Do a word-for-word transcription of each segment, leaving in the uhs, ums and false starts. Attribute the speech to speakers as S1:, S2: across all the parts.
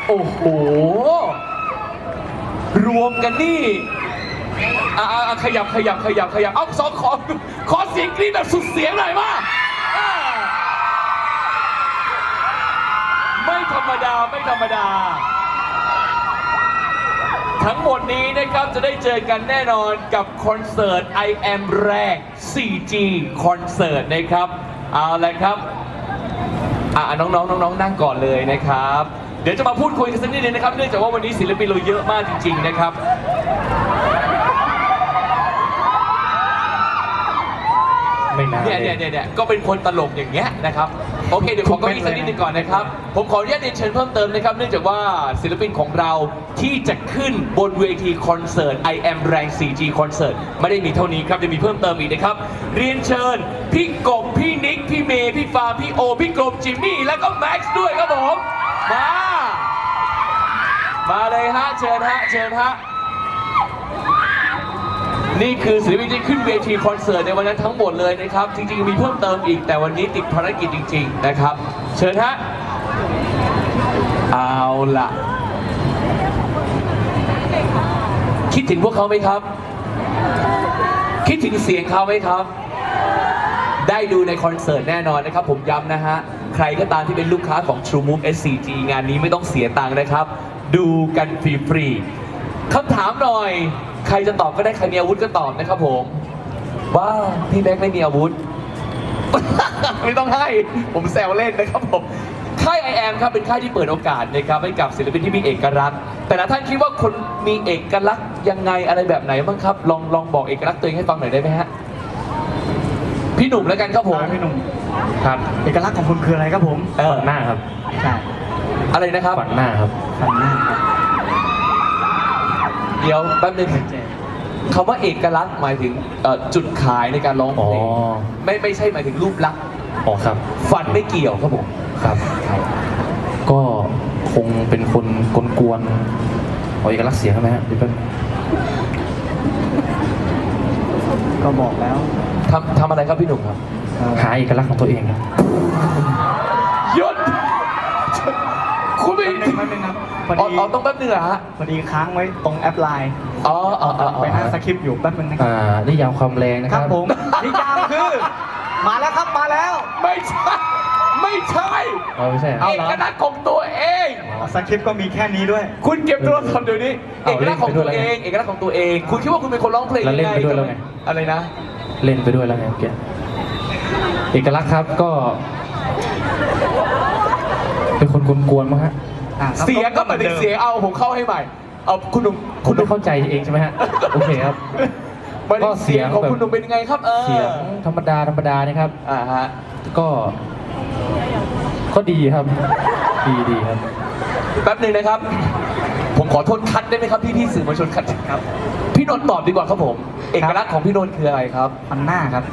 S1: โอ้โหรวมกันนี่อ่าขยับขยับขยับขยับเอาสองขอขอเสียงกรี๊ดแบบสุดเสียงหน่อยมาไม่ธรรมดาไม่ธรรมดาทั้งหมดนี้นะครับจะได้เจอกันแน่นอนกับคอนเสิร์ต I Am แรก โฟร์จี คอนเสิร์ตนะครับเอาละครับอ่าน้องๆน้องๆนั่งก่อนเลยนะครับเดี๋ยวจะมาพูดคุยกันสักนิดนึงนะครับเนื่องจากว่าวันนี้ศิลปินเราเยอะมากจริงๆนะครับเนี่ยเนี่ยเนี่ยก็เป็นคนตลกอย่างเงี้ยนะครับโอเคเดี๋ยวขอเก้าอี้สักนิดนึงก่อนนะครับผมขออนุญาตเรียนเชิญเพิ่มเติมนะครับเนื่องจากว่าศิลปินของเราที่จะขึ้นบนเวทีคอนเสิร์ต I Am แรง โฟร์จี คอนเสิร์ตไม่ได้มีเท่านี้ครับจะมีเพิ่มเติมอีกนะครับเรียนเชิญพี่กบพี่นิกพี่เมย์พี่ฟาร์มพี่โอพี่กรมจิมมี่แล้วก็แม็กซ์ด้วยครับผมมามาเลยฮะเชิญฮะเชิญฮะนี่คือศิลปินที่ขึ้นเวทีคอนเสิร์ตในวันนั้นทั้งหมดเลยนะครับจริงๆมีเพิ่มเติมอีกแต่วันนี้ติดภารกิจจริงๆนะครับเชิญฮะเอาล่ะคิดถึงพวกเขาไหมครับคิดถึงเสียงเขาไหมครับได้ดูในคอนเสิร์ตแน่นอนนะครับผมย้ำนะฮะใครก็ตามที่เป็นลูกค้าของ True Move เอส ซี จี งานนี้ไม่ต้องเสียตังค์นะครับดูกันฟรีๆคำถามหน่อยใครจะตอบก็ได้ใครมีอาวุธก็ตอบนะครับผมว้าวพี่แม็กไม่มีอาวุธ ไม่ต้องให้ผมแซวเล่นนะครับผมค่าย I Am ครับเป็นค่ายที่เปิดโอกาสนะครับให้กับศิลปินที่มีเอกลักษณ์แต่ละท่านคิดว่าคนมีเอกลักษณ์ยังไงอะไรแบบไหนบ้างครับลองลองบอกเอกลักษณ์ตัวเองให้ฟังหน่อยได้ไหมฮะพี่หนุ่มแล้วกันครับผม
S2: พี่หนุ่ม
S1: ครับ
S2: เอกลักษณ์ของคุณคืออะไรครับผม
S1: ฝันหน้าครับ
S2: ใช่
S1: อะไรนะครับ
S2: ฝันหน้าครับฝันหน้าครับ
S1: เดี๋ยวแป๊บนึงคำว่าเอกลักษณ์หมายถึงจุดขายในการร้องเพลงไม่ไม่ใช่หมายถึงรูปลักษณ์
S3: อ๋อครับ
S1: ฝันไม่เกี่ยวครับผม
S3: ครับก็คงเป็นคนกวนๆเอาเอกลักษณ์เสียงใช่ไหมฮะเดี๋ยวแป๊บ
S2: ก็บอกแล้ว
S1: ทำทำอะไรครับพี่หนุ่มครับ
S3: หาเอกลักษณ์ของตัวเองครับ
S1: หยุดคุณไม่
S2: ถึงแป๊บนึงครับพอดี
S1: อ๋อต้องแป๊บนึงเหรอฮะ
S2: พอดีค้างไว้ตรงแอปไลน์
S1: อ๋ออ๋อ
S2: ไปอ่านสคริปต์อยู่แป๊บนึงนะครับ
S3: อ่านิยามความแรงนะค
S2: รับผมนิยามคือมาแล้วครับมาแล้ว
S1: ไม่ใช่ไม่ใช่
S3: อ๋อไม่ใช่
S1: เอกลักษณ์ของตัวเอง
S2: สคริปต์ก็มีแค่นี้ด้วย
S1: คุณเก็บโทรศัพท์เดี๋ยวนี้เอกลักษณ์ของตัวเองเอกลักษณ์ของตัวเองคุณคิดว่าคุณเป็นคนร้องเพลงยังไง
S3: เล่นไปด้วยแล้วไง
S1: อะไรนะ
S3: เล่นไปด้วยแล้วไงเกี่ยเอกลักษณ์ครับก็เป็นคนกวนๆมั้งฮะ
S1: เสียงก็เหมือนเสียงเอาผมเข้าให้ใหม่เอาคุณหนุ่ม
S3: คุณไม่เข้าใจเองใช่ไหมฮะโอเคครับ
S1: ก็เสียงของคุณหนุ่มเป็นยังไงครับ
S3: เสียงธรรมดาธรรมดานะครับ
S1: อ่าฮะ
S3: ก็ก็ดีครับดีดีครับ
S1: แป๊บหนึ่งนะครับผมขอโทษคัดได้ไหมครับพี่พี่สื่อมวลชนคัดครับพี่นนท์ตอบดีกว่าครับผมเอกลักษณ์ของพี่นนท์คืออะไรครับ
S2: ฟันหน้าครับ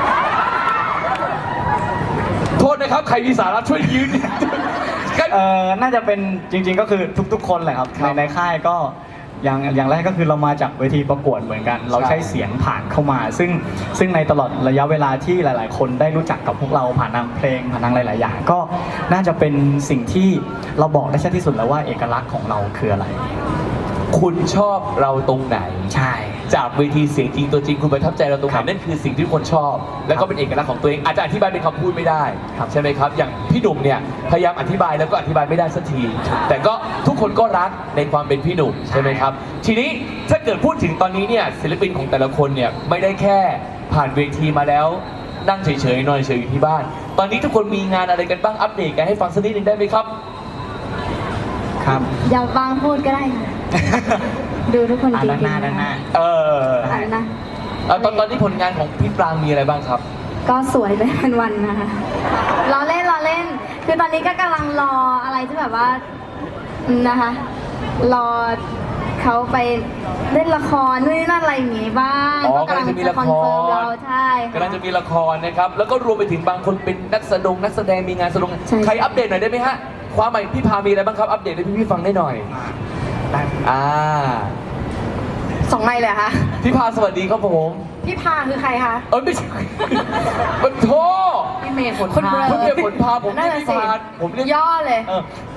S1: โทษนะครับใครมีสาระช่วยยืน
S2: เอ่อน่าจะเป็นจริงๆก็คือทุกๆคนแหละครับในในค่ายก็อย่างอย่างแรกก็คือเรามาจากเวทีประกวดเหมือนกันเราใช้เสียงผ่านเข้ามาซึ่งซึ่งในตลอดระยะเวลาที่หลายๆคนได้รู้จักกับพวกเราผ่านทางเพลงผ่านทางหลายๆอย่างก็น่าจะเป็นสิ่งที่เราบอกได้ชัดที่สุดแล้วว่าเอกลักษณ์ของเราคืออะไร
S1: คุณชอบเราตรงไหน
S2: ใช่
S1: จากเวทีเสียงจริงตัวจริงคุณประทับใจเราตรงไหนนั่นคือสิ่งที่คนชอบแล้วก็เป็นเอกลักษณ์ของตัวเองอาจจะอธิบายเป็นคำพูดไม่ได้ใช่ไหมครับอย่างพี่หนุ่มเนี่ยพยายามอธิบายแล้วก็อธิบายไม่ได้สักทีแต่ก็ทุกคนก็รักในความเป็นพี่หนุ่มใช่ไหมครับทีนี้ถ้าเกิดพูดถึงตอนนี้เนี่ยศิลปินของแต่ละคนเนี่ยไม่ได้แค่ผ่านเวทีมาแล้วนั่งเฉยๆนอนเฉยอยู่ที่บ้านตอนนี้ทุกคนมีงานอะไรกันบ้างอัปเดตกันให้ฟังสักนิดนึงได้ไหมครับ
S2: ครับ
S4: อย่าฟังพูดก็ได้ค่ะดูทุกคนจริงๆ
S2: ด้านหน้าด้านหน้า
S1: เออ
S4: อะไรนะ
S1: ตอนตอนนี้ผลงานของพี่ปรางมีอะไรบ้างครับ
S4: ก็สวยไปเป็นวันนะคะรอเล่นรอเล่นคือตอนนี้ก็กำลังรออะไรที่แบบว่านะคะรอเขาไปเล่นละครนู่นนี่นั่นอะไรอย่างงี้บ้าง
S1: ก็กำลังจะมีละคร
S4: เราใช่
S1: กำลังจะมีละครนะครับแล้วก็รวมไปถึงบางคนเป็นนักแสดงนักแสดงมีงานแสดงใครอัปเดตหน่อยได้ไหมฮะความใหม่พี่พามีอะไรบ้างครับอัปเดตให้พี่พี่ฟังได้หน่อยอ่า
S4: สองไมค์เลยคะ
S1: พี่พาสวัสดีครับผม
S4: พี่พาคือใครคะ
S1: เออไม่ใช่มันโทษ
S4: พี่เมย์ฝน
S1: พาคุณเมย์ฝนพาผมเรียกพี่พาผมเรียก
S4: ย่อเลย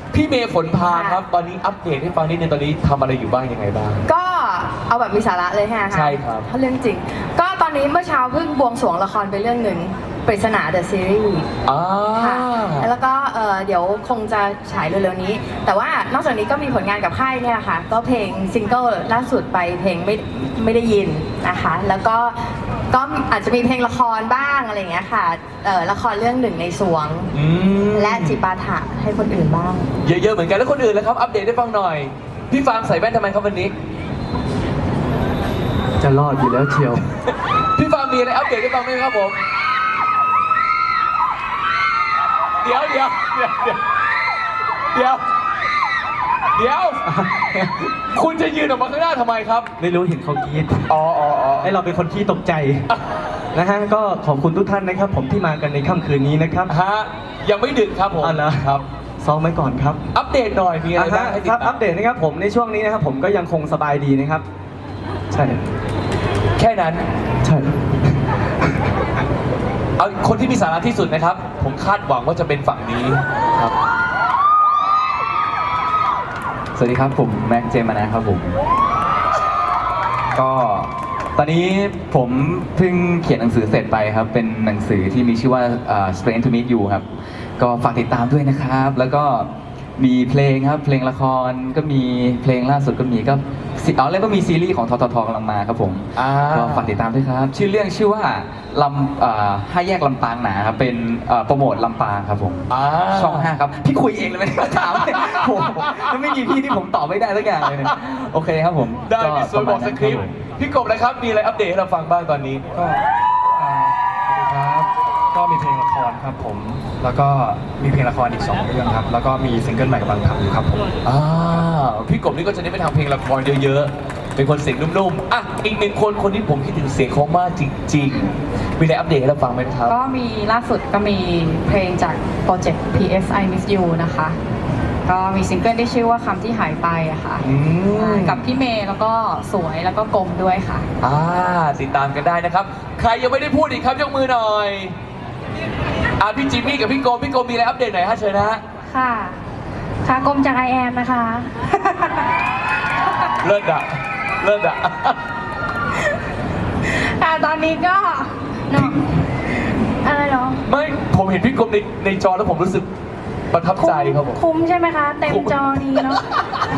S1: พี่เมย์ฝนพาครับ ตอนนี้อัปเดตให้ฟังนิดนึงตอนนี้ทำอะไรอยู่บ้างยังไงบ้าง
S5: ก็เอาแบบมีสาระเลยฮะ
S1: ใช่ครับ
S5: ถ้าเรื่องจริง ก็ตอนนี้เมื่อเช้าเพิ่งบวงสรวงละครไปเรื่องหนึ่งปริศนา The Series
S1: อ่า
S5: ค่ะแล้วก็เอ่อเดี๋ยวคงจะฉายเร็วๆนี้ แต่ว่านอกจากนี้ก็มีผลงานกับค่ายเนี่ยแหละค่ะ ก็เพลงซิงเกิลล่าสุดไปเพลงไม่ไม่ได้ยินนะคะ แล้วก็ก็อาจจะมีเพลงละครบ้างอะไรอย่างเงี้ยค่ะเอ่อละครเรื่องหนึ่งในสวง
S1: อืม
S5: และจิปาถะให้คนอื่นบ้าง
S1: เยอะๆเหมือนกันแล้วคนอื่นแล้วครับอัปเดตให้ฟังหน่อย พี่ฟาร์มใส่แว่นทำไมครับวันนี้
S3: จะรอดอยู่แล้วเชียว
S1: พี่ฟาร์มมีอะไรอัปเดตให้ฟังไหมครับผม เดี๋ยวเดี๋ยวเดี๋ยวเดี๋ยวเดี๋ยวเดี๋ยว คุณจะยืนออกมาข้างหน้าทำไมครับ
S3: ไม่รู้เห็นเขากรีด
S1: อ๋ออ๋ออ๋อ
S3: ให้เราเป็นคนที่ตกใจ นะฮะก็ขอบคุณทุกท่านนะครับ ผมที่มากันในค่ำคืนนี้นะครับ
S1: ฮะยังไม่ดึกครับผม
S3: อ๋อเหรอ
S1: ครับ
S3: ซ้อมไว้ก่อนครับ
S1: อัปเดตหน่อยมีอะไรบ้าง
S3: อ่าฮะ
S1: ให้ติด
S3: ครับ
S1: ตา
S3: อั
S1: ม
S3: ปเดตนะครับผมในช่วงนี้นะครับผมก็ยังคงสบายดีนะครับ ใช่
S1: แค่นั้น
S3: ใช่
S1: เอาคนที่มีสาระที่สุดนะครับ ผมคาดหวังว่าจะเป็นฝั่งนี้ครับ
S6: สวัสดีครับ ผมแม็กเจมานะครับผม ก็ตอนนี้ผมเพิ่งเขียนหนังสือเสร็จไปครับ เป็นหนังสือที่มีชื่อว่าเอ่อ Strange to Meet You ครับ ก็ฝากติดตามด้วยนะครับ แล้วก็มีเพลงครับ เพลงละครก็มีเพลงล่าสุดก็มีก็ซีอ๋อแล้วก็มีซีรีส์ของทททกำลังมาครับผม
S1: อ่า
S6: ก็ฝากติดตามด้วยครับ ชื่อเรื่องชื่อว่าลำเอ่อห้าแยกลำปางหนาครับเป็นเอ่อโปรโมทลำปางครับผม
S1: อ่า
S6: ช่องห้าครับ พี่คุยเองเลยไม่ได้ถามเลยโอ้โหแล้วไม่มีพี่ที่ผมตอบไม่ได้สักอย่างเลยเนี่ยโอเคครับผม
S1: ได้มีส่วนบอกสคริปต์พี่กบนะครับ มีอะไรอัปเดตให้เราฟังบ้างตอนนี้
S2: ก็อ่าสวัสดีครับ ก็มีเพลงละครครับผม แล้วก็มีเพลงละครอีกสองเรื่องครับ แล้วก็มีซิงเกิลใหม่กำลังทำอยู่ครับผม
S1: อ่าพี่กบนี่ก็จะได้ไปทำเพลงละครเยอะๆ เป็นคนเสียงนุ่มๆ อ่ะ อีกหนึ่งคนคนที่ผมคิดถึงเสียงเขามากจริงๆ มีอะไรอัปเดตให้เราฟังไหมครับ
S7: ก็มีล่าสุดก็มีเพลงจากโปรเจกต์ พี เอส I Miss You นะคะ ก็มีซิงเกิลที่ชื่อว่าคำที่หายไปอะค่ะ
S1: อืม
S7: กับพี่เมย์แล้วก็สวยแล้วก็กลมด้วยค่ะ
S1: อ่าติดตามกันได้นะครับ ใครยังไม่ได้พูดอีกครับยกมือหน่อย อ่าพี่จิมมี่กับพี่โกมพี่โกมมีอะไรอัปเดตหน่อยฮะเชิญนะฮะ
S4: ค่ะ ค่ะกรมจากไอแอมนะคะ
S1: เลิศอะเลิศอะ
S4: ค่ะตอนนี้ก็เนาะอะไรเนาะ
S1: ไม่ผมเห็นพี่โกมในในจอแล้วผมรู้สึกประทับใจครับผม
S4: คุ้มใช่ไหมคะ เต็มจอดีเนาะ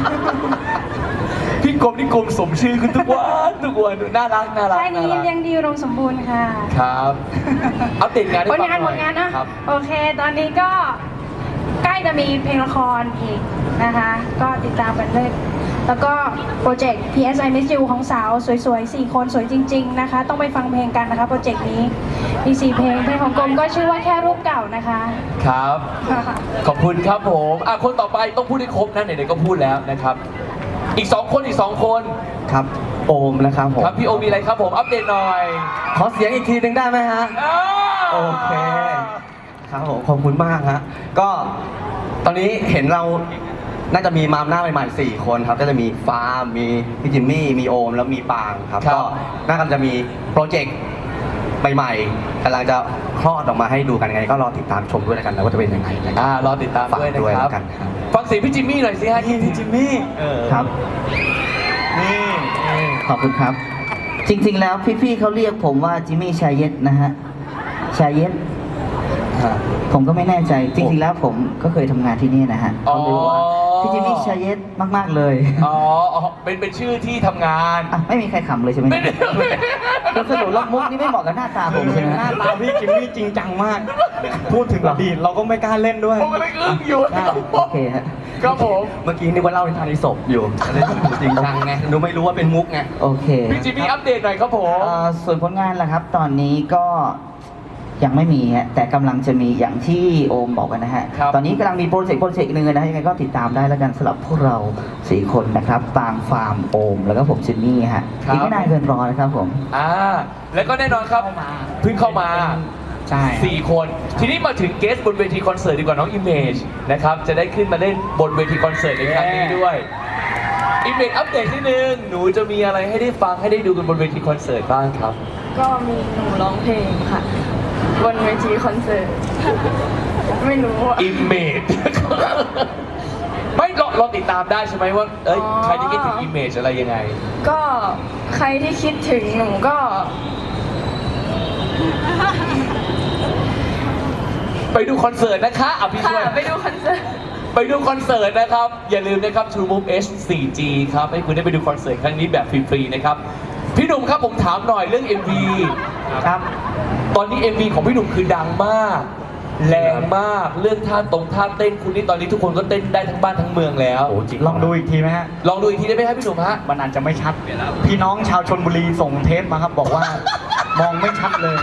S1: พี่โกมนี่โกมสมชื่อขึ้นทุกวันทุกวันน่ารักน่ารัก
S4: ใช่นี้
S1: น่ารัก
S4: เลี้ยงดีอุดมสมบูรณ์ค่ะ
S1: ครับ อัปเดตงานให้
S4: ผ
S1: ฟั
S4: ล
S1: งห
S4: งาน
S1: น่
S4: ผ
S1: อย
S4: ลงานนะ
S1: ครับ
S4: โอเค ตอนนี้ก็ใกล้จะมีเพลงละครอีกนะคะ ก็ติดตามกันเลยแล้วก็โปรเจกต์ พี เอส I Miss You ของสาวสวยๆสี่คนสวยจริง ๆนะคะ ต้องไปฟังเพลงกันนะคะโปรเจกต์นี้มีสี่เพลงเพลงของกรมก็ชื่อว่าแค่รูปเก่านะคะ
S1: ครับ ขอบคุณครับผมอ่ะคนต่อไปต้องพูดให้ครบนะไหนๆก็พูดแล้วนะครับ อีกสองคนอีกสองคน
S3: ครับ โอมนะครับผม
S1: ครับพี่โอมีอะไรครับผมอัปเดตหน่อย
S3: ขอเสียงอีกทีหนึ่งได้ไหมฮะ
S1: อ้าว
S3: โอเค ครับผมขอบคุณมากฮะก็ตอนนี้เห็นเราน่าจะมีมามหน้าใหม่ๆสี่คนครับ ก็จะมีฟาร์มมีพี่จิมมี่มีโอมแล้วมีปางครับ
S1: ครับ
S3: ก็น่าจะมีโปรเจกต์ใหม่ๆกำลังจะคลอดออกมาให้ดูกันยังไง ก็รอติดตามชมด้วยแล้วกันนะว่าจะเป็นยังไงนะครับ
S1: อ่ารอติดตาม
S3: ฝาก
S1: ด้วยนะ
S3: ด้วย
S1: ครั
S3: แล้
S1: บ
S3: วกันครับ
S1: ฟังเสียงพี่จิมมี่หน่อยสิฮะพี่จิมมี่เออ
S8: ครับ
S1: นี่
S8: ขอบคุณครับ จริงๆ แล้วพี่ๆเขาเรียกผมว่าจิมมี่ชายเย็ดนะฮะ ชายเย็ด ผมก็ไม่แน่ใจ จริงๆ แล้วผมก็เคยทำงานที่นี่นะฮะ
S1: อ๋อ
S8: เขาเลยบอกว่าพี่จิมมี่ชายเย็ดมากๆ เลย
S1: อ๋ออ๋อเป็นเป็นชื่อที่ทำงาน
S8: อ่ะไม่มีใครขำเลยใช่ไหม
S1: ไม่ได้
S8: แล้วสรุปแล้วมุกนี่ไม่เหมาะกับหน้าตาผมใช่ไหม
S2: หน้า
S8: ฮะ
S2: ตาพี่จิมมี่จริงจังมาก พูดถึงอดีตเราก็ไม่กล้าเล่นด้วย
S1: ผมก็เลยอึ้งอยู่
S8: โอเคฮะ
S1: ครับผม
S3: เมื่อกี้นึกว่าเล่าในทางในศพอยู่เลยดูจริงจังไงดูไม่รู้ว่าเป็นมุกไง
S8: โอเค
S1: พี่จิมมี่อัปเดตหน่อยครับผม
S8: เอ่อส่วนผลงานล่ะครับ ตอนนี้ก็ยังไม่มีฮะแต่กำลังจะมีอย่างที่โอมบอกกันนะฮะ
S1: ครับ
S8: ตอนนี้กำลังมีโปรเจกต์โปรเจกต์หนึ่งนะฮะยังไงก็ติดตามได้แล้วกันสำหรับพวกเราสี่คนนะครับปางฟาร์มโอม แล้วก็ผมจิมมี่ฮะอีกไม่นานเกินรอนะครับผม
S1: อ่าแล้วก็แน่นอนครับเพิ่งเข้ามา
S2: ใช่
S1: สี่คน ทีนี้มาถึงเกสบนเวทีคอนเสิร์ตดีกว่าน้องอิมเมจนะครับจะได้ขึ้นมาเล่นบนเวทีคอนเสิร์ตในครั้งนี้ด้วยอิมเมจอัปเดตนิดนึงหนูจะมีอะไรให้ได้ฟังให้ได้ดูกันบนเวทีคอนเสิร์ตบ้างครับ
S5: ก็มีหนูร้องเพลงค่ะ บนเวทีคอนเสิร์ต ไม่รู้อะ
S1: อิมเมจเราติดตามได้ใช่ไหมว่าเอ้ย
S5: อ๋อ
S1: ใครที่คิดถึงอิมเมจอะไรยังไง
S5: ก็ใครที่คิดถึงหนูก็
S1: ไปดูคอนเสิร์ตนะคะอ่ะพี่
S5: ค่ะ
S1: ช่วย
S5: ไปดูคอนเสิร์ต
S1: ไปดูคอนเสิร์ตนะครับ อย่าลืมนะครับ True Move H โฟร์ จี ครับ ให้คุณได้ไปดูคอนเสิร์ตครั้งนี้แบบฟรีๆนะครับ พี่หนุ่มครับผมถามหน่อยเรื่อง เอ็ม วี
S2: ครับ
S1: ตอนนี้ เอ็ม วี ของพี่หนุ่มคือดังมาก แรงมาก เรื่องท่าตรงท่าเต้นคุณนี่ตอนนี้ทุกคนก็เต้นได้ทั้งบ้านทั้งเมืองแล้ว
S2: ลองดูอีกทีไหมฮะ
S1: ลองดูอีกทีได้ไหมครับพี่หนุ่มฮะ
S2: มันอาจจะไม่ชัด พี่น้องชาวชนบุรีส่งเทปมาครับ บอกว่า มองไม่ชัดเลย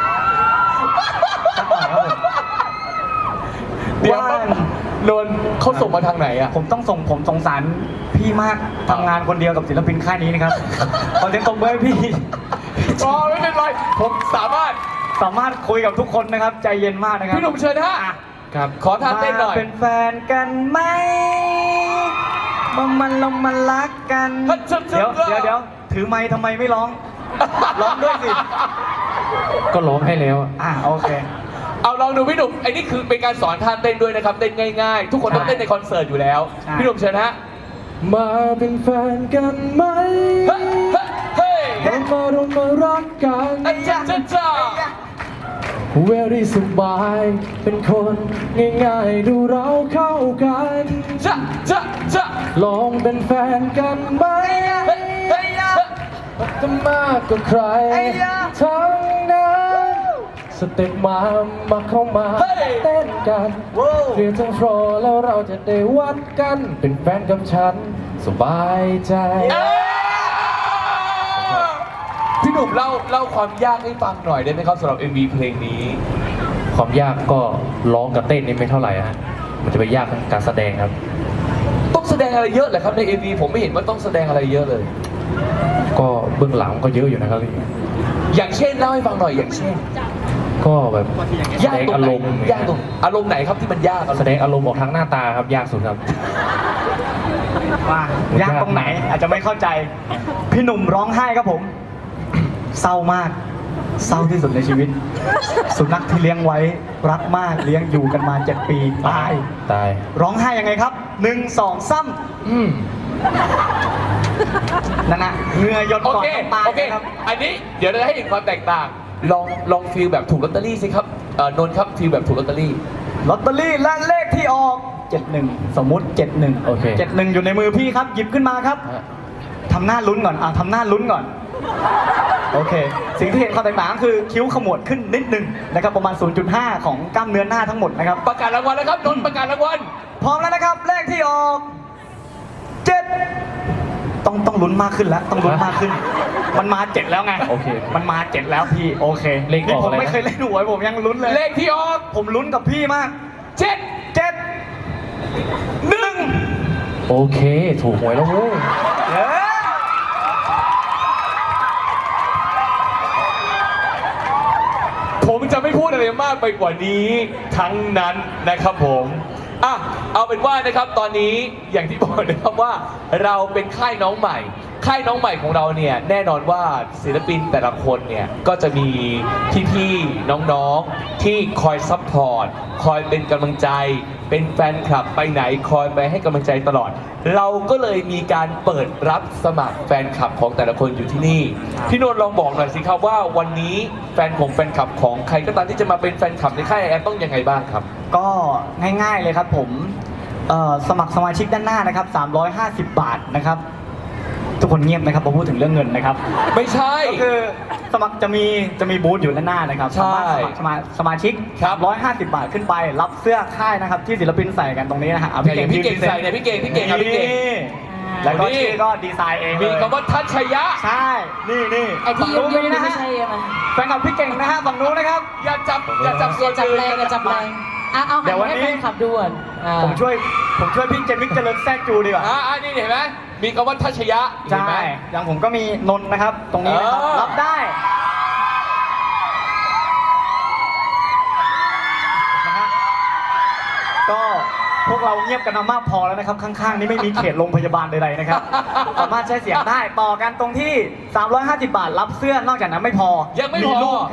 S2: สักหน่อยครับผม
S1: เดี๋ยว
S2: ว่า
S1: นนท์เขาส่งมาทางไหนอะ
S2: ผมต้องส่งผมสงสารพี่มากทำงานคนเดียวกับศิลปินค่ายนี้นะครับ ขอเสียงตบมือให้พี่
S1: อ๋อไม่เป็นไร ผมสามารถ
S2: สามารถคุยกับทุกคนนะครับ ใจเย็นมากนะครับ
S1: พี่หนุ่มเชิญฮะครับ ขอท่าเต้นหน่อย
S2: มาเป็นแฟนกันไหมมามันลงมารักกัน
S1: ฮัทชับชับ
S2: เดี๋ยวเดี๋ยวเดี๋ยวถือไม้ทำไมไม่ร้อง ร้องด้วยสิ
S6: ก็ร้องให้แล้ว
S2: อ่ะโอเค
S1: เอาลองดูพี่หนุ่มไอ้นี่คือเป็นการสอนท่าเต้นด้วยนะครับ เต้นง่ายๆ ทุกคนต้องเต้นในคอนเสิร์ตอยู่แล้ว
S2: ใช่
S1: พี่หนุ่มเชิญฮะ
S9: มาเป็นแฟนกันไหม
S1: เฮ้ยเฮ้ยเฮ้ย
S9: เรามาลงมารักกัน
S1: อาจ้าจ้าจ้า
S9: เวรี่สบาย เป็นคนง่ายๆ ดูเราเข้ากัน
S1: จ้าจ้าจ้า
S9: ลองเป็นแฟนกันไหม
S1: เฮ้ยเฮ้ยเฮ้ย
S9: จะมากกว่าใคร ทั้งนั้นสเต็ปมามาเข้ามาเต้นกันเคลียร์ทั้งโฟร์แล้วเราจะได้วัดกัน เป็นแฟนกับฉัน สบายใจ
S1: เอ้ยพี่หนุ่มเล่าเล่าความยากให้ฟังหน่อยได้ไหมครับสำหรับ เอ็ม วี เพลงนี้
S9: ความยากก็ร้องกับเต้นนี่ไม่เท่าไหร่ฮะ มันจะไปยากทางการแสดงครับ
S1: ต้องแสดงอะไรเยอะเหรอครับใน เอ็ม วี ผมไม่เห็นว่าต้องแสดงอะไรเยอะเลย
S9: ก็เบื้องหลังก็เยอะอยู่นะครับพี่
S1: อย่างเช่นเล่าให้ฟังหน่อยอย่างเช่น
S9: ก็แบบแส
S1: ยาก
S9: ดง
S1: ตรง
S9: อา
S1: ไหน
S9: รมณ์
S1: ยากตรงอารมณ์ไหนครับที่มันยากอะ
S9: แสดงอารมณ์ออกทางหน้าตาครับยากสุดครับ
S2: ว่ายากตรงไหนอาจจะไม่เข้าใจ พี่หนุ่มร้องไห้ครับผม เศร้ามาก เศร้าที่สุดในชีวิต สุนัขที่เลี้ยงไว้รักมากเลี้ยงอยู่กันมาเจ็ดปีตาย
S9: ตาย
S2: ร้องไห้ยังไงครับหนึ่งสองซ้
S9: อืม
S2: ำนั่นนะเหงื่อหยด
S1: โอ
S2: ก่อน
S1: เค
S2: น้ำตา
S1: โอเค
S2: นะครับ
S1: อันนี้เดี๋ยวเราจะให้เห็นความแตกต่าง ลองลองฟีลแบบถูกลอตเตอรี่สิครับเอ่อนนท์ครับฟีลแบบถูกลอตเตอรี่
S2: ลอตเตอรี่และเลขที่ออกเจ็ดหนึ่งสมมุติเจ็ดหนึ่ง
S9: โอเค
S2: เจ็ดหนึ่งอยู่ในมือพี่ครับ หยิบขึ้นมาครับ
S9: ฮะ
S2: ทำหน้าลุ้นก่อนอ่ะทำหน้าลุ้นก่อน โอเค สิ่งที่เห็นความแตกต่างก็คือคิ้วขมวดขึ้นนิดนึงนะครับประมาณ ศูนย์จุดห้า ของกล้ามเนื้อหน้าทั้งหมดนะครับ
S1: ประกาศรางวัลแล้วครับนนท์ประกาศรางวัล
S2: พร้อมแล้วนะครับ เลขที่ออกเจ็ดต้องต้องลุ้นมากขึ้นแล้ว ต้องลุ้นมากขึ้น มันมาเจ็ดแล้วไง
S9: โอเค
S2: มันมาเจ็ดแล้วพี่ โอเค
S9: เลขออก
S2: นี่ผม
S9: อะไรนะ
S2: ไม่เคยเล่นหวยผมยังลุ้นเลย
S1: เลขที่ออก
S2: ผมลุ้นกับพี่มาก
S1: เจ็ด
S2: เจ็ด
S1: หนึ่ง
S9: โอเค ถูกหวยแล้วเว้ย
S2: เย้
S1: ผมจะไม่พูดอะไรมากไปกว่านี้ทั้งนั้นนะครับผมอ่ะเอาเป็นว่านะครับตอนนี้อย่างที่บอกนะครับว่าเราเป็นค่ายน้องใหม่ ค่ายน้องใหม่ของเราเนี่ยแน่นอนว่าศิลปินแต่ละคนเนี่ยก็จะมีพี่ๆน้องๆที่คอยซัพพอร์ตคอยเป็นกำลังใจ เป็นแฟนคลับไปไหนคอยไปให้กำลังใจตลอด เราก็เลยมีการเปิดรับสมัครแฟนคลับของแต่ละคนอยู่ที่นี่พี่นนท์ลองบอกหน่อยสิครับว่าวันนี้แฟนของแฟนคลับของใครก็ตามที่จะมาเป็นแฟนคลับในค่ายแอร์ต้องยังไงบ้างครับ
S2: ก็ง่ายๆเลยครับผมเอ่อสมัครสมาชิกด้านหน้านะครับสามร้อยห้าสิบบาทนะครับ ทุกคนเงียบนะครับพอพูดถึงเรื่องเงินนะครับ
S1: ไม่ใช่
S2: ก็คือสมัครจะมีจะมีบูธอยู่ด้านหน้านะครับ
S1: ใช่
S2: สามารถสมัครสมาสมาชิก
S1: ครับ
S2: ร้อยห้าสิบบาทขึ้นไป รับเสื้อค่ายนะครับที่ศิลปินใส่กันตรงนี้นะฮะอ่ะ
S1: อย่างพี่เก่ง
S2: ยืน
S1: ใส่เนี่ยพี่เก่งพี่เก่งครับพี่เก่ง
S2: นี่แล้วก็
S1: นี่
S2: ชื่อก็ดีไซน์เองเลย
S1: มีคำว่าทัชยะ
S2: ใช่ นี่นี่
S7: ไอ้ที่
S2: ฝั่งนู้น
S7: ยุ่งๆ
S2: นะ
S7: ไม่
S2: ฮะ
S7: ใช่ไหม
S2: แฟนคลับพี่เก่งนะฮะฝั่งนู้นนะครับ
S1: อย่าจับอย่าจับส่วน
S7: จับ
S1: อื่น
S7: แรงอย่าจับแรงอ่ะเอา
S2: เดี๋
S7: หั
S2: ย
S7: น
S2: ววัน
S7: ให้
S2: นี้
S7: แฟนคลับดูก่อนอ่า
S2: ผมช่วยผมช่วยพี่เจมิกเจริญแทรกจูดีกว่า
S1: อ่าอ่านี่เห็นไหมมีคำว่าทัชยะเห็นไหม
S2: ใช่ อย่างผมก็มีนนท์นะครับ ตรงนี้นะครับ
S1: เออ
S2: รับได้นะฮะก็พวกเราเงียบกันมามากพอแล้วนะครับ ข้างๆ นี่ไม่มีเขตโรงพยาบาลใดๆนะครับ สามารถใช้เสียงได้ ต่อกันตรงที่ สามร้อยห้าสิบบาท รับเสื้อนอกจากนั้นไม่พอ
S1: ยังไม่พอ
S2: รูปครับ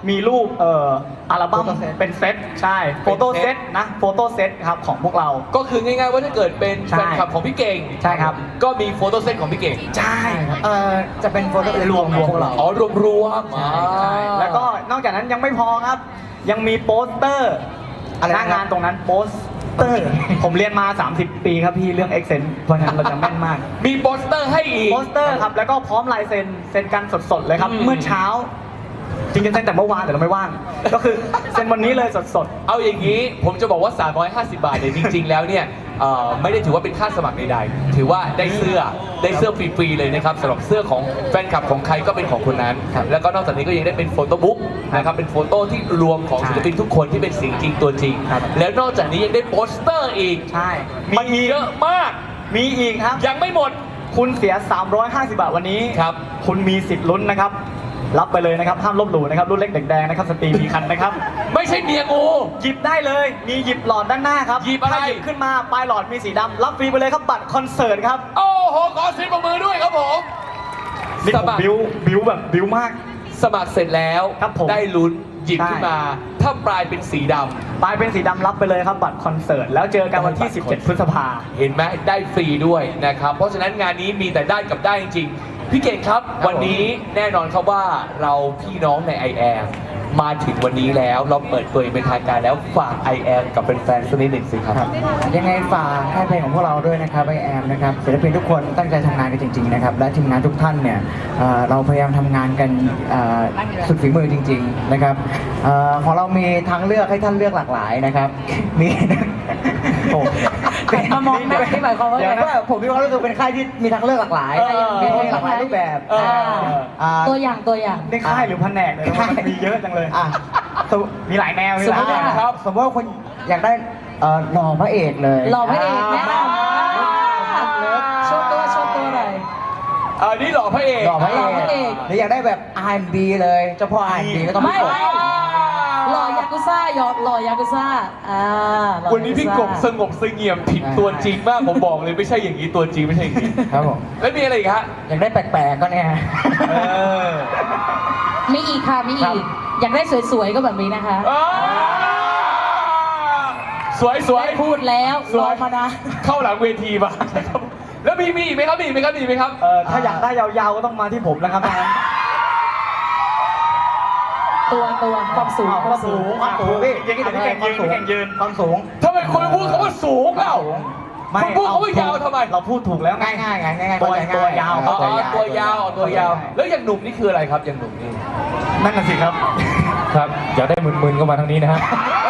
S2: มีรูปเอ่ออัลบั้ม
S3: Photo set
S2: เป็นเซตใช่โฟโต้เซตนะโฟโต้เซตครับของพวกเรา
S1: ก็คือง่ายๆว่าถ้าเกิดเป็น
S2: ใช่
S1: แฟนคลับของพี่เก่ง
S2: ใช่ครับ
S1: ก็มีโฟโต้เซตของพี่เก่ง
S2: ใช่
S3: เอ่อจะเป็นโฟโต้รวมของพวกเรา
S1: อ๋อรวมรวมๆ
S2: ใช่ใช่แล้วก็นอกจากนั้นยังไม่พอครับ ยังมีโปสเตอร์
S3: อะไร
S2: ห
S3: นะครับ
S2: น้างานตรงนั้นโปสเตอร์ ผมเรียนมา สามสิบ ปีครับพี่เรื่อง Accent เพราะฉะนั้นเราจะแม่นมาก
S1: มีโปสเตอร์ให้อีก
S2: โปสเตอร์ครับ แล้วก็พร้อมลายเซ็นเซ็นกันสดๆเลยครับ
S1: อืม
S2: เมื่อเช้า จริงๆเซ็นแต่เมื่อวานแต่เราไม่ว่าง ก็คือเซ็นวันนี้เลยสด
S1: เอาอย่างนี้ผมจะบอกว่า สามร้อยห้าสิบบาทเนี่ยจริง ๆ แล้วเนี่ยเอ่อไม่ได้ถือว่าเป็นค่าสมัครใดๆถือว่าได้เสื้อได้เสื้อฟรีๆเลยนะครับสำหรับเสื้อของแฟนคลับของใครก็เป็นของคนนั้น แล้วก็นอกจากนี้ก็ยังได้เป็นโฟโต้บุ๊กนะครับเป็นโฟโต้ที่รวมของศิลปินทุกคนที่เป็นเสียงจริงตัวจริง แล้วนอกจากนี้ยังได้โปสเตอร์อีก
S2: ๆ ใช่
S1: มัน
S2: มีอีก
S1: เยอะมาก
S2: มีอีกครับ
S1: ยังไม่หมด
S2: คุณเสีย สามร้อยห้าสิบบาทวันนี้
S1: ครับ
S2: คุณมีสิทธิ์ลุ้นนะครับ รับไปเลยนะครับ ห้ามลบหลู่นะครับ รุ่นเล็กเด็กแดงนะครับ สตรีมีคันนะครับ
S1: ไม่ใช่เมียงู
S2: หยิบได้เลย มีหยิบหลอดด้านหน้าครับ
S1: หยิบอะไร
S2: ถ้าหยิบขึ้นมา ปลายหลอดมีสีดำ รับฟรีไปเลยครับ บัตรคอนเสิร์ตครับ
S1: โอ้โหขอเสียงปรบมือด้วยครับผม
S2: นี่
S1: ส
S2: ผม
S1: มัคร
S2: บิวบิวแบบบิวมาก
S1: สมัครเสร็จแล้ว
S2: ครับผม
S1: ได้ลุ้นหยิบ
S2: ใช่
S1: ขึ้นมา ถ้าปลายเป็นสีดำ
S2: ปลายเป็นสีดำรับไปเลยครับ บัตรคอนเสิร์ต แล้วเจอกันวันที่ สิบเจ็ด พฤษภา
S1: เห็นไหมได้ฟรีด้วยนะครับ เพราะฉะนั้นงานนี้มีแต่ได้กับได้จริงๆ พี่เก่งครับ วันนี้แน่นอนครับว่าเราพี่น้องใน ไอ แอม มาถึงวันนี้แล้วเราเปิดตัวอย่างเป็นทางการแล้วฝาก ไอ แอม กับแฟนๆสักนิดหนึ่งสิครับ
S8: ยังไงฝากค่ายเพลงของพวกเราด้วยนะครับไอแอมนะครับศิลปินทุกคนตั้งใจทำงานกันจริงๆนะครับและทีมงานทุกท่านเนี่ยเอ่อเราพยายามทำงานกันเอ่อสุดฝีมือจริง ๆนะครับเอ่อของเรามีทางเลือกให้ท่านเลือกหลากหลายนะครับมีโอ้
S7: มามองหน้าที่หมายความว่าไง
S8: เดี๋ยวนะผมมีความรู้สึกเป็นค่ายที่มีทางเลือกหลากหลาย
S1: เออ
S8: มีเพลงหลากหลายรูปแบบ
S1: เออ
S8: อ่า
S7: ตัวอย่างตัวอย่าง
S2: นี่ค่ายหรือแผนกเลยนะมันมีเยอะจังเลย
S8: อ่ะ
S2: มีหลายแนวมี
S7: สม
S2: ห
S7: มุ
S2: ลาย
S7: ติ
S2: แน
S7: ว่า
S2: ว
S1: ครับ
S8: สมมติว่าคุณอยากได้เอ่อหล่อพระเอกเลย
S7: หล่อพระเอกแนะน
S8: อ่า
S7: ำโชว์ตัวโชว์ตัวหน่อย
S1: อันนี้หล่อพระเอก
S8: หล่อพระเอ
S7: หล่อพระเอก
S8: กหรืออยากได้แบบ อาร์ แอนด์ บี เลยเจ้าพ่อ อาร์ แอนด์ บี ก็ต้อง
S7: ไม่
S8: พี่กบ
S7: ไม่หล่อยากุซ่าหยอดหล่อยากุซ่าอ่าหล่อ
S1: วันนี้พี่กบสงบเสงี่ยมผิดตัวจริงมากผมบอกเลยไม่ใช่อย่างนี้ตัวจริงไม่ใช่อย่างนี้
S8: ครับผม
S1: แล้วมีอะไรอีกฮะ
S8: อยากได้แปลกๆก็เนี่ย
S1: เออ
S7: มีอีกค่ะมี
S8: ครั
S7: อี
S8: บ
S7: ก อยากได้สวยๆก็แบบนี้นะคะ
S1: อ่าสวยสวย
S7: ได้พูดแล้ว
S1: ส
S7: ร
S1: ว
S7: อย มานะ
S1: เข้าหลังเวทีมาแล้วมีมีอีกไหมครับมีอีกไหมครับมีอีกไหมครับ
S2: เอ่อถ้าอยากได้ยาวๆก็ต้องมาที่ผมนะครับ
S7: ตัวตัวความสูง
S2: อ้าวความสูงความสูงพี่ยังไงพี่เก่งยืนพี่เก่งยืนความสูง
S1: ทำไมคุณพูดคำว่าสูงเปล่า
S2: ไม่
S1: คุณพูดคำว่ายาวทำไม
S2: เราพูดถูกแล้วไง
S8: ง่ายๆไงง่ายๆ
S2: ตัว
S8: เข้าใจง่าย
S2: ตัวยาว
S1: อ๋อ
S8: เข้าใจง่าย
S1: ตัวยาวอ๋อตัวยาว แล้วอย่างหนุ่มนี่คืออะไรครับอย่างหนุ่มนี่
S2: นั่นน่ะสิครับ
S9: ครับ อยากได้มึนๆก็มาทางนี้นะฮะ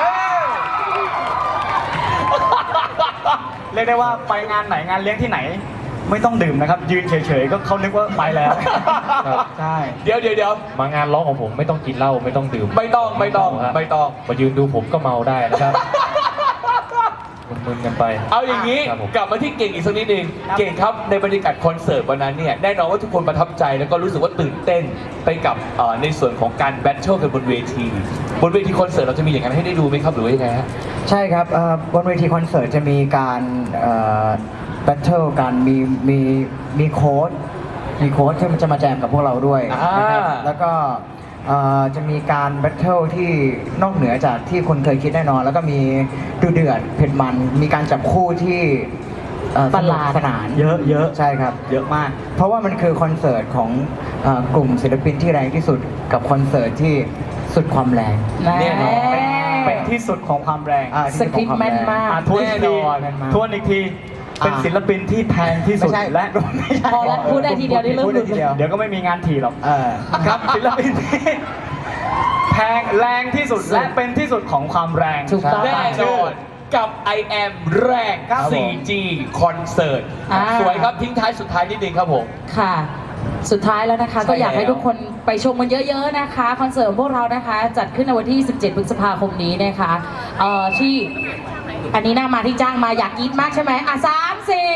S2: เรียกได้ว่าไปงานไหนงานเลี้ยงที่ไหน ไม่ต้องดื่มนะครับ ยืนเฉยๆก็เขานึกว่าไปแล้ว
S9: ครับ
S2: ใช่
S1: เดี๋ยวเดี๋ยวเดี๋ยว
S9: มางานร้องของผมไม่ต้องกินเหล้าไม่ต้องดื่ม
S1: ไม่ต้องไม่ต้อง
S9: ฮะ
S1: ไม่ต้อง
S9: มายืนดูผมก็เมาได้นะครับ มึนๆกันไป
S1: เอาอย่างนี้
S9: ครับผม
S1: กลับมาที่เก่งอีกสักนิดนึงเก่งครับในบรรยากาศคอนเสิร์ตวันนั้นเนี่ยแน่นอนว่าทุกคนประทับใจแล้วก็รู้สึกว่าตื่นเต้นไปกับเอ่อในส่วนของการแบทเทิลกันบนเวทีบนเวทีคอนเสิร์ตเราจะมีอย่างนั้นให้ได้ดูไหมครับหรือว่ายังไงฮะ
S8: ใช่ครับเอ่อบนเวทีคอนเสิร์ตจะมีการแบทเทิลกันมีมีมีโค้ดมีโค้ดที่มันจะมาแจมกับพวกเราด้วยนะครับ
S1: อ่า
S8: แล้วก็เอ่อจะมีการแบทเทิลที่นอกเหนือจากที่คนเคยคิดแน่นอน แล้วก็มีดูเดือดเผ็ดมัน มีการจับคู่ที่เอ่อ
S7: ประหลาด
S8: สนุกสนาน
S2: เยอะเยอะ
S8: ใช่ครับ
S2: เยอะมาก
S8: เพราะว่ามันคือคอนเสิร์ตของเอ่อกลุ่มศิลปินที่แรงที่สุดกับคอนเสิร์ตที่สุดความแรง
S1: แน่นอน
S2: เป็นที่สุดของความแรง
S8: อ่า
S7: สคริปต์แม่นมาก
S2: อ่ะทวนอีกที
S8: แน่นอน
S2: ทวนอีกทีเป็น
S8: อ่า
S2: ศิลปินที่แพงที่สุด
S8: ไม่ใช่
S2: และไม่ใช่
S7: พอแล้วพูดได้ทีเดียวได้เริ่ม
S8: พูด
S7: หลุ
S8: ได้
S7: ด
S8: ที
S7: เล
S8: เดี
S7: ย
S8: ยว
S2: เดี๋ยวก็ไม่มีงานถีหรอก
S8: เออ
S2: ครับศิลปินที่แพงแรงที่สุดและเป็นที่สุดของความแรง
S7: ถูกต้อง
S1: แน่นอนกับ ไอ แอม แรง
S2: ครับผม
S1: โฟร์จี คอนเสิร์ต
S7: อ่า
S1: สวยครับทิ้งท้ายสุดท้ายนิดนึงครับผม
S7: ค่ะ สุดท้ายแล้วนะคะ
S1: ใช่
S7: ก็อยากให้
S1: แล้ว
S7: ทุกคนไปชมกันเยอะๆนะคะ คอนเสิร์ตของพวกเรานะคะ จัดขึ้นในวันที่ สิบเจ็ด พฤษภาคมนี้นะคะเอ่อที่อันนี้หน้ามาที่จ้างมาอยากกรีดมากใช่ไหมอ่ะสามสี่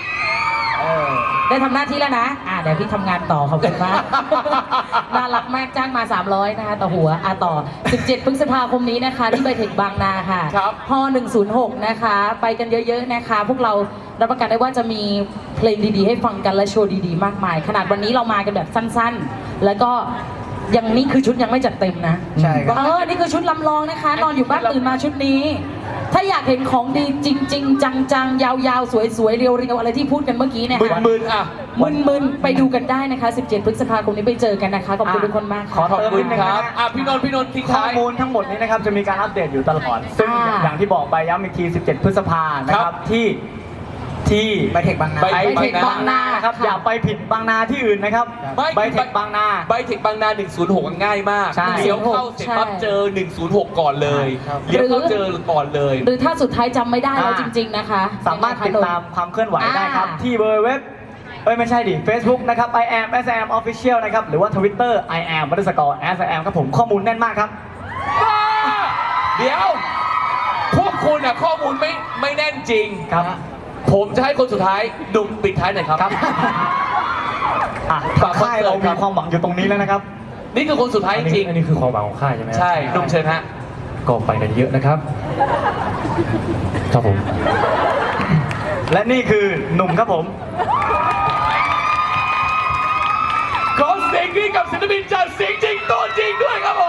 S7: ได้ทำหน้าที่แล้วนะ อ่ะเดี๋ยวพี่ทำงานต่อขอบคุณมาก น่ารักมากจ้างมา สามร้อย นะคะต่อหัวอ่ะต่อ สิบเจ็ด พฤษภาคมนี้นะคะ ที่ไบเทคบางนาค่ะ
S1: ครับ
S7: ฮอหนึ่งศูนย์หกนะคะ ไปกันเยอะๆนะคะ พวกเรารับประกันได้ว่าจะมีเพลงดีๆ ให้ฟังกันและโชว์ดีๆ มากมาย ขนาดวันนี้เรามากันแบบสั้นๆ แล้วก็ยังนี่คือชุดยังไม่จัดเต็มนะ
S8: ใช่ครับ
S7: เออนี่คือชุดลำลองนะคะ นอนอยู่บ้านตื่นมาชุดนี้ ถ้าอยากเห็นของดีจริง ๆ จังๆ ยาวๆ สวยๆ เรียวๆ อะไรที่พูดกันเมื่อกี้เนี่ยค่ะ
S1: มึนๆอ่ะ
S7: มึนๆ ไปดูกันได้นะคะ สิบเจ็ด พฤษภาคมนี้ไปเจอกันนะคะ ขอบคุณทุกคนมาก
S2: ขอ
S7: ค่ะ
S1: ขอบ
S2: เติม
S1: คุ
S2: นิ
S1: ณ
S2: ดนึง
S1: ค
S2: นะ
S1: รับ
S2: ฮะ
S1: อ่ะพี่นนท์พี่นนท์ทิ้ง
S2: ข้อ
S1: ท้าย
S2: มูลทั้งหมดนี้นะครับจะมีการอัปเดตอยู่ตลอด ซึ่ง
S7: อ่า
S2: อย่างที่บอกไปย้ำอีกที สิบเจ็ด พฤษภานะค
S1: ครั
S2: รับบ ที่ที่
S8: ไบเทคบางนา
S1: ไบ
S2: ไบ
S1: เท
S2: เท
S1: ค
S2: คบางนานะครับ
S7: ค่ะ
S2: อย่าไปผิดบางนาที่อื่นนะครับ
S1: ไม่
S2: ไบเทคบางนา
S1: ไบเทคบางนาหนึ่งศูนย์หกง่ายมาก
S2: ใช่
S1: เลี้ยวเข้าเสร็จปั๊บ
S7: ใช่
S1: เจอหนึ่งศูนย์หกก่อนเลย
S8: ครับ
S1: เลี้ยวเข้าเจอก่อนเลย
S7: หรือถ้าสุดท้ายจำไม่ได้แล้ว
S2: อ่า
S7: จริง ๆ นะคะ
S2: สามารถติดตามความเคลื่อนไหวได้ครับ
S7: อ่า
S2: ที่เบอร์เว็บเอ้ยไม่ใช่ดิ Facebook นะครับ I am S M Official นะครับ หรือว่า Twitter I am underscore S M ครับผมข้อมูลแน่นมากครับ
S1: บ้าเดี๋ยว พวกคุณอะข้อมูลไม่ไม่แน่นจริง
S2: ครับ
S1: ผมจะให้คนสุดท้ายดุมปิดท้ายหน่อยครับ
S2: ครับอ่ะ
S1: ฝากคอน
S2: ค่าย
S1: เสิร์ต
S2: เรา
S1: ครั
S2: มี
S1: บ
S2: ความหวังอยู่ตรงนี้แล้วนะครับ
S1: นี่คือคนสุดท้าย
S9: อั
S1: จ
S9: นนี้
S1: ริง
S9: อันนี้คือความหวังของค่ายใช่ไหม
S1: ใช่ดุมเชิญฮะ
S9: ก็ไปกันเยอะนะครับ ครับผม
S2: และนี่คือหนุ่มครับผม
S1: ขอเสียงกรี๊ดกับศิลปินจากเสียงจริงตัวจริงด้วยครับผม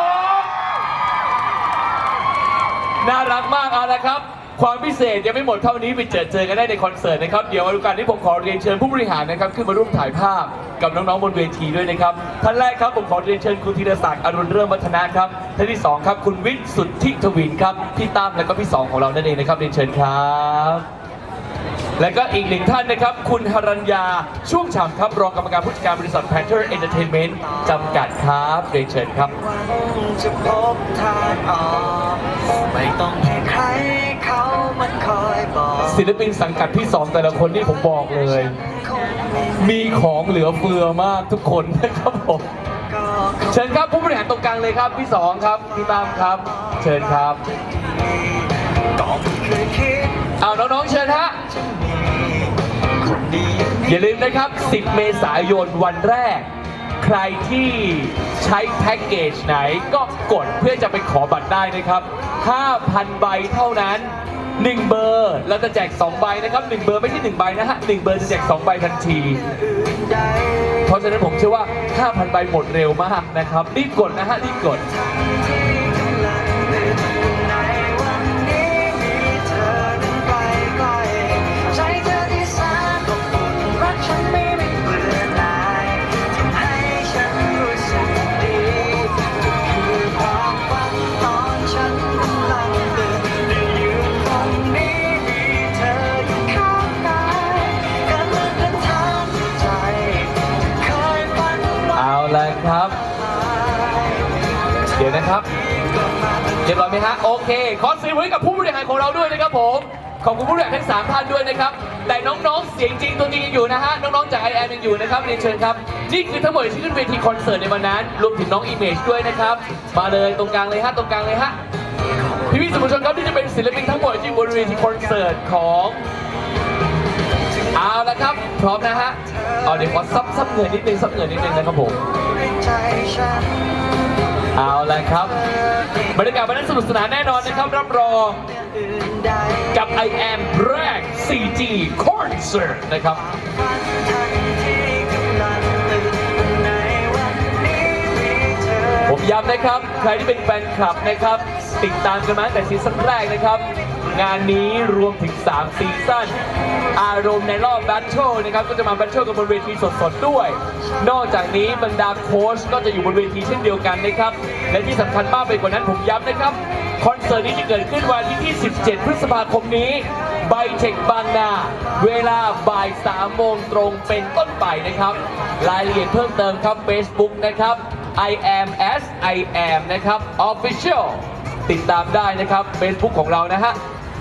S1: น่ารักมากเอาละครับ ความพิเศษยังไม่หมดเท่านี้ไปเจอเจอกันได้ในคอนเสิร์ตนะครับ เดี๋ยววันการที่ผมขอเรียนเชิญผู้บริหารนะครับขึ้นมาร่วมถ่ายภาพกับน้องๆบนเวทีด้วยนะครับ ท่านแรกครับผมขอเรียนเชิญคุณธีรศักดิ์อรุณเริ่มวัฒนะครับท่านที่สองครับคุณวิทย์สุทธิทวินครับพี่ตั้มและก็พี่สองของเรานั่นเองนะครับเรียนเชิญครับ และก็อีกหนึ่งท่านนะครับ คุณหรัญญาช่วงฉ่ำครับรองกรรมการผู้จัดการบริษัท Panther Entertainment จำกัดครับเรียนเชิญครับ
S10: จะพบทางออกไม่ต้องให้ใครเขามันคอยบอก
S1: ศิลปินสังกัดพี่สองแต่ละคนนี่ผมบอกเลย
S10: คงไม่
S1: มีของเหลือเฟือมากทุกคนนะครับผม
S10: ก็คง
S1: เชิญครับผู้บริหารตรงกลางเลยครับพี่สองครับพี่ตามครับ เชิญครับ
S10: ก็ไม่เคยคิด
S1: เอาน้องๆเชิญฮะ
S10: จะมีคนดีอย่างนี้
S1: อย่าลืมนะครับ สิบ เมษายนวันแรก ใครที่ใช้แพ็กเกจไหนก็กดเพื่อจะไปขอบัตรได้นะครับ ห้าพัน ใบเท่านั้น หนึ่ง เบอร์เราจะแจก สอง ใบนะครับ หนึ่ง เบอร์ไม่ใช่ หนึ่ง ใบนะฮะ หนึ่ง เบอร์จะแจก สอง ใบทันที
S10: ใด
S1: เพราะฉะนั้นผมเชื่อว่า ห้าพัน ใบหมดเร็วมากนะครับ รีบกดนะฮะ รีบกด
S10: ที่กำลังเดินอยู่ในวันนี้มีเธอนั้นไกลไกลใจเธอที่แสนอบอุ่นรักฉันไม่ไม่เบื่อหน่ายทำให้ฉันรู้สึกดีก็คือความฝันตอนฉันกำลังเดินได้ยืนตรงนี้มีเธออยู่ข้างกายก็เหมือนเป็นทางที่ใจเคยฝันไว้
S1: เอาละครับ เดี๋ยวนะครับ เรียบร้อยไหมฮะ โอเค ขอเสียงไว้กับผู้บริหารของเราด้วยนะครับผม ขอบคุณผู้บริหารทั้งสามท่านด้วยนะครับ แต่น้องๆ เสียงจริงตัวจริงยังอยู่นะฮะ น้องๆ จาก ไอ แอม ยังอยู่นะครับเรียนเชิญครับ นี่คือทั้งหมดที่ขึ้นเวทีคอนเสิร์ตในวันนั้น รวมถึงน้องอิเมจด้วยนะครับ มาเลยตรงกลางเลยฮะ ตรงกลางเลยฮะ พี่พี่ๆสื่อมวลชนครับนี่จะเป็นศิลปินทั้งหมดที่บนเวทีคอนเสิร์ตของ เอาละครับ พร้อมนะฮะ เอาเดี๋ยวขอซับซับเหงื่อนิดนึงซับเหงื่อนิดนึงนะครับผม
S10: ใจฉัน
S1: เอาละครับ บรรยากาศวันนั้นสนุกสนานแน่นอนนะครับ รับรอง
S10: อื่นใด
S1: กับ ไอ แอม แรก ซี จี Concert นะครับ
S10: ฝันทันที่กำลังตื่นในวันนี้มีเธอ
S1: ผมย้ำนะครับ ใครที่เป็นแฟนคลับนะครับ ติดตามกันมาตั้งแต่ซีซั่นแรกนะครับ งานนี้รวมถึง สาม ซีซั่น อารมณ์ในรอบแบทเทิลนะครับ ก็จะมาแบทเทิลกันบนเวทีสดๆด้วย นอกจากนี้บรรดาโค้ชก็จะอยู่บนเวทีเช่นเดียวกันนะครับ และที่สำคัญมากไปกว่านั้นผมย้ำนะครับ คอนเสิร์ตนี้จะเกิดขึ้นวันที่ที่ สิบเจ็ด พฤษภาคมนี้ไบเทคบางนา เวลาบ่ายสามโมงตรงเป็นต้นไปนะครับ รายละเอียดเพิ่มเติมครับ Facebook นะครับ I am as I am นะครับ Official ติดตามได้นะครับ Facebook ของเรานะฮะ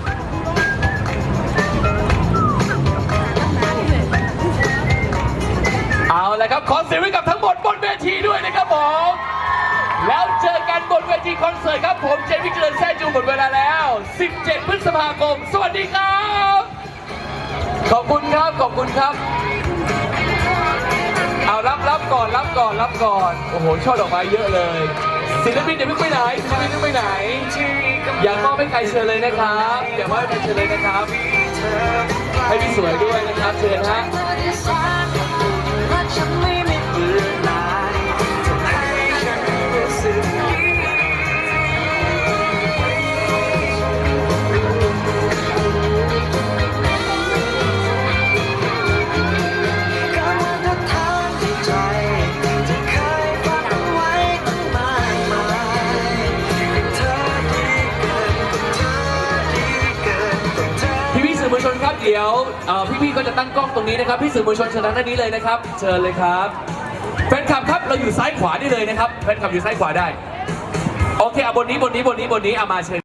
S1: เอาละครับ ขอเสียงไว้กับทั้งหมดบนเวทีด้วยนะครับผม แล้วเจอกันบนเวทีคอนเสิร์ตครับผมเจมี่เจริญแซ่จูหมดเวลาแล้ว สิบเจ็ด พฤษภาคม สวัสดีครับ ขอบคุณครับ ขอบคุณครับ เอารับรับก่อนรับก่อนรับก่อน โอ้โหช่อดอกไม้เยอะเลย ศิลปินเดี๋ยวเพิ่งไปไหนศิลปินเพิ่งไปไหน อยากมอบให้ใครเชิญเลยนะครับอย่ามอบให้ใครเชิญเลยนะครับ ให้พี่สวยด้วยนะครับเชิญฮะ
S10: รักฉันไม่มีเบื่อหน่ายทำให้ฉัน
S1: ดี๋ยวเอ่อพี่ๆก็จะตั้งกล้องตรงนี้นะครับ พี่สื่อมวลชนเชิญทางด้านนี้เลยนะครับ เชิญเลยครับ แฟนคลับครับเราอยู่ซ้ายขวาได้เลยนะครับ แฟนคลับอยู่ซ้ายขวาได้ โอเคเอาบนนี้บนนี้บนนี้บนนี้เอามาเชิญ